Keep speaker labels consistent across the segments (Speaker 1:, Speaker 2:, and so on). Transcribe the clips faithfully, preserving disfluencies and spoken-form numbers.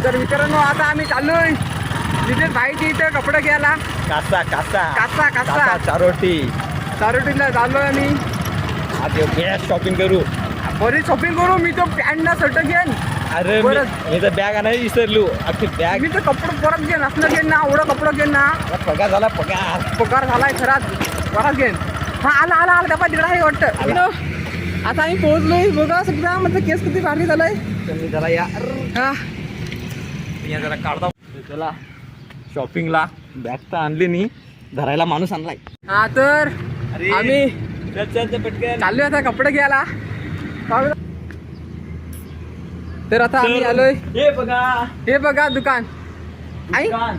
Speaker 1: तर मित्रांनो आता आम्ही चाललोय नितेश भाईची इथे कपडे घ्यायला.
Speaker 2: कासा कासा
Speaker 1: कासा कासा
Speaker 2: चारोटी
Speaker 1: चारोटीला चाललोय आम्ही.
Speaker 2: आज बेस्ट शॉपिंग करू.
Speaker 1: बरीच शॉपिंग करू. मी तो पॅन्ट ना शर्ट घेईन.
Speaker 2: अरे मी तर बॅग आणायला विसरलो. अख्खी बॅग.
Speaker 1: मी तर कपडे परत घेईन. असलं घेईन ना एवढं कपडं घेईन ना.
Speaker 2: पगार झाला पगार
Speaker 1: पगार झालाय खराच परत घेईन. हा आला आला आला त्या तिकडे आहे वाटतं. आता आम्ही पोहोचलोय बघा सगळं. म्हणजे केस किती भारी झालाय.
Speaker 2: मी जरा या
Speaker 1: हा
Speaker 2: मी जरा काढतो. चला शॉपिंगला बॅग तर आणली नाही. धरायला माणूस आणलाय.
Speaker 1: हा तर आम्ही
Speaker 2: चल चल पटकन
Speaker 1: चाललोय आता कपडे घ्यायला. तर आता आम्ही आलोय.
Speaker 2: हे बघा
Speaker 1: हे बघा दुकान. आई
Speaker 2: दुकान.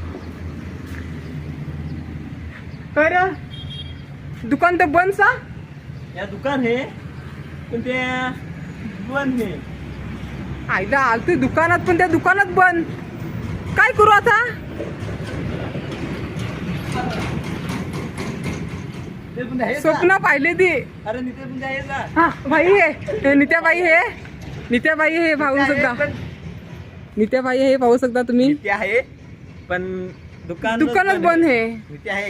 Speaker 1: खरं दुकान तर बंद सा.
Speaker 2: या दुकान हे पण ते बंद हे.
Speaker 1: आईला आलतोय दुकानात पण त्या दुकानात बंद. काय करू आता.
Speaker 2: ते पण आहे का?
Speaker 1: स्वप्न पाहिले ती.
Speaker 2: अरे निते पण आहे का?
Speaker 1: हा भाई हे नित्याबाई हे नित्याबाई हे पाहू शकता. नित्याबाई हे पाहू शकता तुम्ही.
Speaker 2: नित्य आहे पण दुकान
Speaker 1: दुकानच बंद हे.
Speaker 2: नित्य आहे.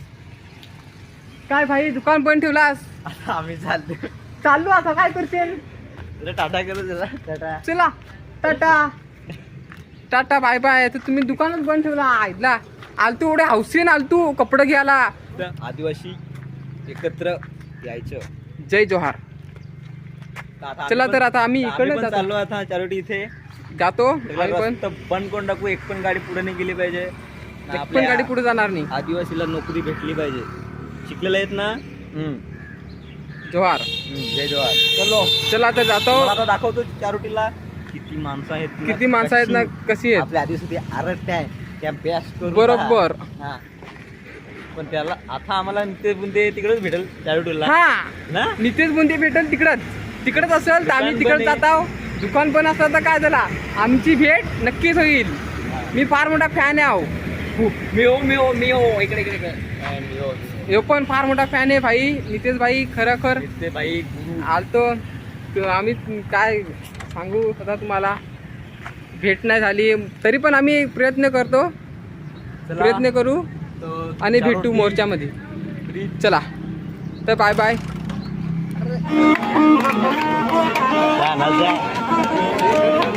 Speaker 1: काय भाई दुकान बंद ठेवलास.
Speaker 2: आता आम्ही चाललो.
Speaker 1: चाललो आता काय करशील.
Speaker 2: जरा टाटा करू जरा टाटा.
Speaker 1: चला टाटा टाटा बाय बाय. तर तुम्ही दुकानच बंद ठेवला. आईला आलतू एवढे हौसेन आलतू कपडे घ्यायला.
Speaker 2: आदिवासी एकत्र यायचं.
Speaker 1: जय जोहार.
Speaker 2: आता
Speaker 1: चला
Speaker 2: आम्ही
Speaker 1: तर
Speaker 2: पण-
Speaker 1: आता आम्ही
Speaker 2: आम्ही
Speaker 1: इकडे
Speaker 2: पण
Speaker 1: जातो.
Speaker 2: चाललो आता चारोटी इथे
Speaker 1: जातो आम्ही पण.
Speaker 2: रस्ता बंद करून टाकू. एक पण गाडी पुढे नाही गेली पाहिजे.
Speaker 1: एक पण गाडी पुढे जाणार नाही.
Speaker 2: आदिवासीला नोकरी भेटली पाहिजे. शिकलेले आहेत ना. हम्म.
Speaker 1: जोहार.
Speaker 2: हम्म, जय जवाहर. चलो
Speaker 1: चला तर जातो.
Speaker 2: मला आता दाखवतो चारोटीला किती माणसं आहेत ना,
Speaker 1: किती माणसं आहेत ना
Speaker 2: कशी
Speaker 1: कशी आहेत.
Speaker 2: आपल्या आदिवासी आरट आहे त्या बेस्ट करू.
Speaker 1: बरोबर.
Speaker 2: हा पण त्याला आता आम्हाला ते बुंदे तिकडेच भेटेल चारोटीला
Speaker 1: हा
Speaker 2: ना.
Speaker 1: नितेश बुंदे भेटेल तिकडच. तिकडच असेल तर आम्ही
Speaker 2: दुकान
Speaker 1: तिकडे
Speaker 2: पण आहे.
Speaker 1: जात आहोत. दुकान पण असलं तर काय झाला आमची भेट नक्कीच होईल. मी फार मोठा फॅन आहे. आहो
Speaker 2: मिओ मिओ मिओ इकडे इकडे इकडे. हा, मिओ
Speaker 1: ह्यो पण फार मोठा फॅन आहे भाई. नितेश भाई खरोखर
Speaker 2: ते बाई गुरु.
Speaker 1: आलतो. त- आम्ही काय सांगू आता तुम्हाला. भेट नाही झाली तरी पण आम्ही प्रयत्न करतो.
Speaker 2: चला.
Speaker 1: प्रयत्न करू
Speaker 2: तो
Speaker 1: आणि भेटू
Speaker 2: चारोटी
Speaker 1: मोर्चामध्ये.
Speaker 2: फ्री.
Speaker 1: चला तर बाय बाय.
Speaker 2: जा ना जा.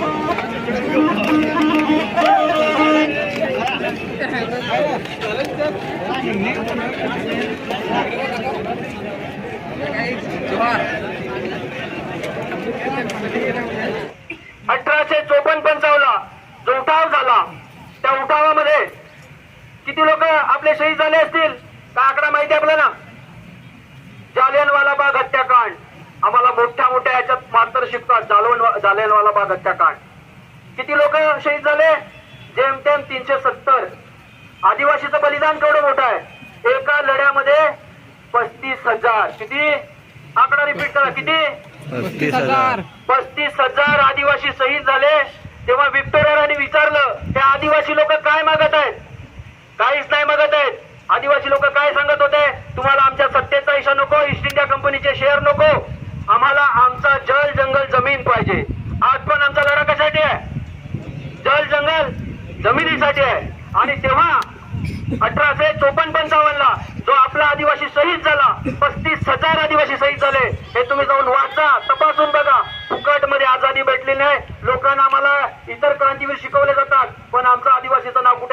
Speaker 3: अठराशे चोपन्न पंचावन्नला जो उठाव झाला त्या उठावामध्ये किती लोक आपले शहीद झाले असतील का आकडा माहिती आहे आपल्याला. जालियनवाला बाग हत्याकांड आम्हाला मोठ्या मोठ्या याच्यात मास्तर शिकतात. जालवन जालियनवाला बाग हत्याकांड किती लोक शहीद झाले. जेमतेम तीनशे सत्तर. आदिवासीचं बलिदान केवढं मोठं आहे. एका लढ्यामध्ये पस्तीस हजार. किती आकडा रिपीट करा. किती
Speaker 1: पस्तीस हजार.
Speaker 3: पस्तीस हजार आदिवासी शहीद झाले. तेव्हा व्हिक्टोरियाने विचारलं ते आदिवासी लोक काय मागत आहेत. काहीच नाही मागत आहेत. आदिवासी लोक काय सांगत होते. तुम्हाला आमच्या सत्तेचा हिस्सा नको. ईस्ट इंडिया कंपनीचे शेअर नको. आम्हाला आमचा जल जंगल जमीन पाहिजे. आज पण आमचा लढा कशासाठी आहे. जल जंगल जमिनीसाठी आहे. आणि तेव्हा अठराशे चोपन्न पंचावन्नला जो आपला आदिवासी शहीद झाला पस्तीस हजार आदिवासी शहीद झाले. हे तुम्ही जाऊन वाचा तपासून बघा. फुकट मध्ये आझादी भेटली नाही. लोकांना आम्हाला इतर क्रांतीवीर शिकवले जातात पण आमचं आदिवासीचं नाव कुठं